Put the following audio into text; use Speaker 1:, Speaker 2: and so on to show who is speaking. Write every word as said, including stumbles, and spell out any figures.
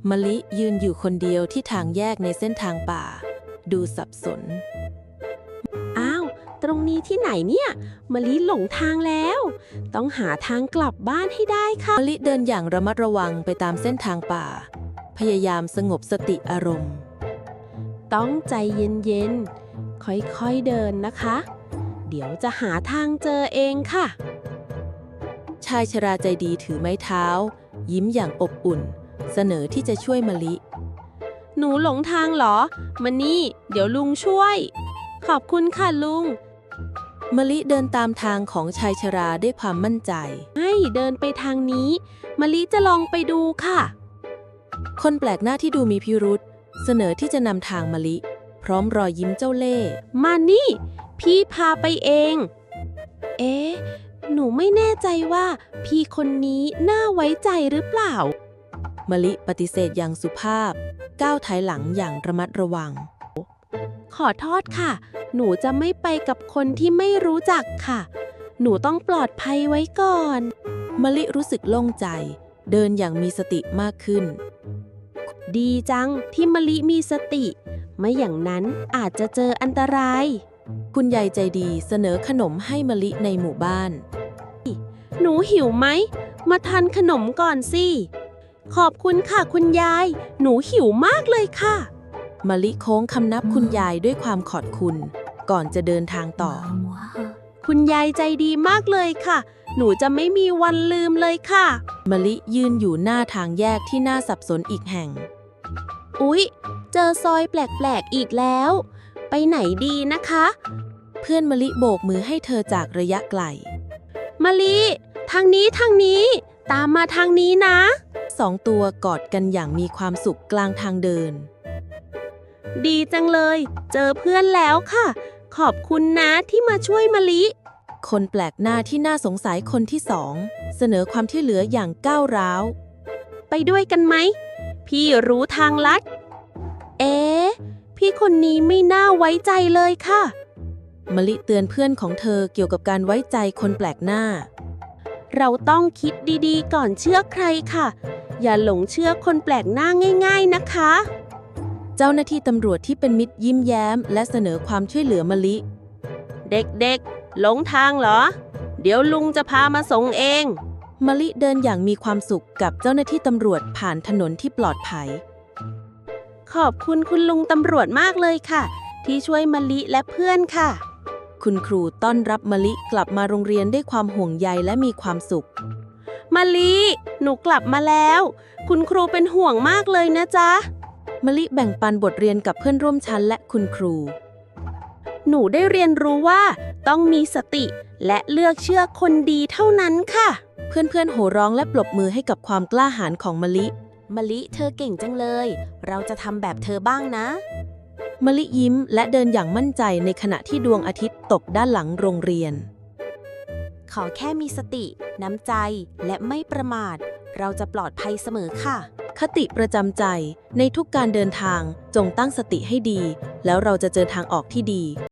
Speaker 1: มะลิยืนอยู่คนเดียวที่ทางแยกในเส้นทางป่า ดูสับสน
Speaker 2: อ้าว ตรงนี้ที่ไหนเนี่ยมะลิหลงทางแล้ว ต้องหาทางกลับบ้านให้ได้ค่ะ
Speaker 1: มะลิเดินอย่างระมัดระวังไปตามเส้นทางป่า พยายามสงบสติอารมณ์
Speaker 2: ต้องใจเย็นๆ ค่อยๆเดินนะคะ เดี๋ยวจะหาทางเจอเองค่ะ
Speaker 1: ชายชราใจดีถือไม้เท้า ยิ้มอย่างอบอุ่น เสนอที่จะช่วยมะลิ
Speaker 2: หนูหลงทางเหรอมานี่ เดี๋ยวลุงช่วย ขอบคุณค่ะลุง
Speaker 1: มะลิเดินตามทางของชายชราด้วยความมั่นใจ
Speaker 2: ให้เดินไปทางนี้มะลิจะลองไปดูค่ะ
Speaker 1: คนแปลกหน้าที่ดูมีพิรุษเสนอที่จะนำทางมะลิ พร้อมรอยยิ้มเจ้าเล่ห์
Speaker 2: มานี่ พี่พาไปเอง เอ๊ะ หนูไม่แน่ใจว่าพี่คนนี้น่าไว้ใจหรือเปล่า
Speaker 1: มะลิปฏิเสธอย่างสุภาพ ก้าวถอยหลังอย่างระมัดระวัง
Speaker 2: ขอโทษค่ะ หนูจะไม่ไปกับคนที่ไม่รู้จักค่ะ หนูต้องปลอดภัยไว้ก่อน
Speaker 1: มะลิรู้สึกโล่งใจ เดินอย่างมีสติมากขึ้น
Speaker 2: ดีจังที่มะลิมีสติ ไม่อย่างนั้นอาจจะเจออันตราย
Speaker 1: คุณยายใจดีเสนอขนมให้มะลิในหมู่บ้าน
Speaker 2: หนูหิวไหม มาทานขนมก่อนสิ ขอบคุณค่ะคุณยาย หนูหิวมากเลยค่ะ
Speaker 1: มะลิโค้งคำนับคุณยายด้วยความขอบคุณ ก่อนจะเดินทางต่อ
Speaker 2: คุณยายใจดีมากเลยค่ะ หนูจะไม่มีวันลืมเลยค่ะ
Speaker 1: มะลิยืนอยู่หน้าทางแยกที่น่าสับสนอีกแห่ง
Speaker 2: อุ๊ย เจอซอยแปลกๆอีกแล้ว ไปไหนดีนะคะ
Speaker 1: เพื่อนมะลิโบกมือให้เธอจากระยะไกล
Speaker 2: มะลิ ทางนี้ทางนี้ ตามมาทางนี้นะ
Speaker 1: สองตัวกอดกันอย่างมีความสุขกลางทางเดิน
Speaker 2: ดีจังเลย เจอเพื่อนแล้วค่ะ ขอบคุณนะที่มาช่วยมะลิ
Speaker 1: คนแปลกหน้าที่น่าสงสัยคนที่สอง เสนอความที่เหลืออย่างก้าวร้าว
Speaker 2: ไปด้วยกันไหม พี่รู้ทางลัด เอ๊ะ พี่คนนี้ไม่น่าไว้ใจเลยค่ะ
Speaker 1: มะลิเตือนเพื่อนของเธอเกี่ยวกับการไว้ใจคนแปลกหน้า
Speaker 2: เราต้องคิดดีๆ ก่อนเชื่อใครค่ะ อย่าหลงเชื่อคนแปลกหน้าง่ายๆนะคะ
Speaker 1: เจ้าหน้าที่ตำรวจที่เป็นมิตรยิ้มแย้ม และเสนอความช่วยเหลือมะลิ
Speaker 2: เด็กๆ หลงทางเหรอ เดี๋ยวลุงจะพามาส่งเอง
Speaker 1: มะลิเดินอย่างมีความสุขกับเจ้าหน้าที่ตำรวจผ่านถนนที่ปลอดภัย
Speaker 2: ขอบคุณคุณลุงตำรวจมากเลยค่ะ ที่ช่วยมะลิและเพื่อนค่ะ
Speaker 1: คุณครูต้อนรับมะลิกลับมาโรงเรียนด้วยความห่วงใยและมีความสุข
Speaker 2: มะลิ หนูกลับมาแล้ว คุณครูเป็นห่วงมากเลยนะจ๊ะ
Speaker 1: มะลิแบ่งปันบทเรียนกับเพื่อนร่วมชั้นและคุณครู
Speaker 2: หนูได้เรียนรู้ว่าต้องมีสติ และเลือกเชื่อคนดีเท่านั้นค่ะ
Speaker 1: เพื่อนๆโห่ร้องและปรบมือให้กับความกล้าหาญของมะลิ
Speaker 2: มะลิเธอเก่งจังเลย เราจะทำแบบเธอบ้างนะ
Speaker 1: มะลิยิ้มและเดินอย่างมั่นใจในขณะที่ดวงอาทิตย์ตกด้านหลังโรงเรียน
Speaker 2: ขอแค่มีสติ น้ำใจ และไม่ประมาท เราจะปลอดภัยเสมอค่ะ
Speaker 1: คติประจำใจในทุกการเดินทางจงตั้งสติให้ดี แล้วเราจะเจอทางออกที่ดี